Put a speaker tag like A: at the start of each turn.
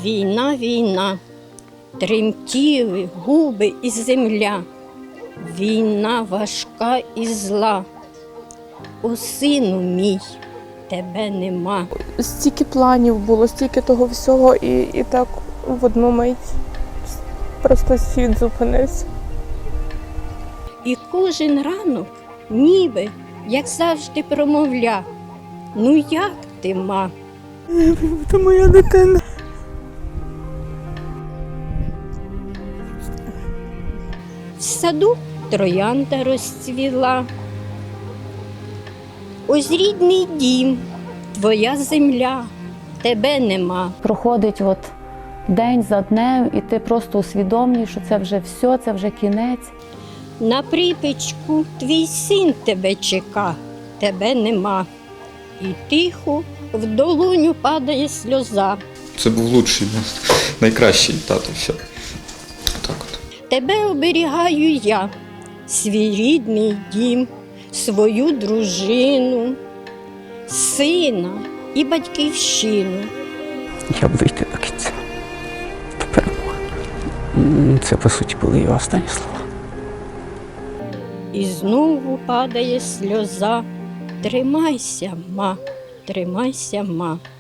A: Війна, війна, тремтіли губи і земля. Війна важка і зла. О, сину мій, тебе нема.
B: Стільки планів було, стільки того всього, і так в одну мить просто світ зупинився.
A: І кожен ранок ніби, як завжди, промовля: ну як ти, ма?
B: Це моя дитина.
A: В саду троянда розцвіла. Ось рідний дім, твоя земля, тебе нема.
C: Проходить день за днем, і ти просто усвідомлюєш, що це вже все, це вже кінець.
A: На припічку твій син тебе чека, тебе нема. І тихо в долоню падає сльоза.
D: Це був лучший, найкращий тато. Все. Так от.
A: Тебе оберігаю я, свій рідний дім, свою дружину, сина і батьківщину.
E: Я буду йти до кінця, до перемоги. Це, по суті, були його останні слова.
A: І знову падає сльоза. Тримайся, ма, тримайся, ма.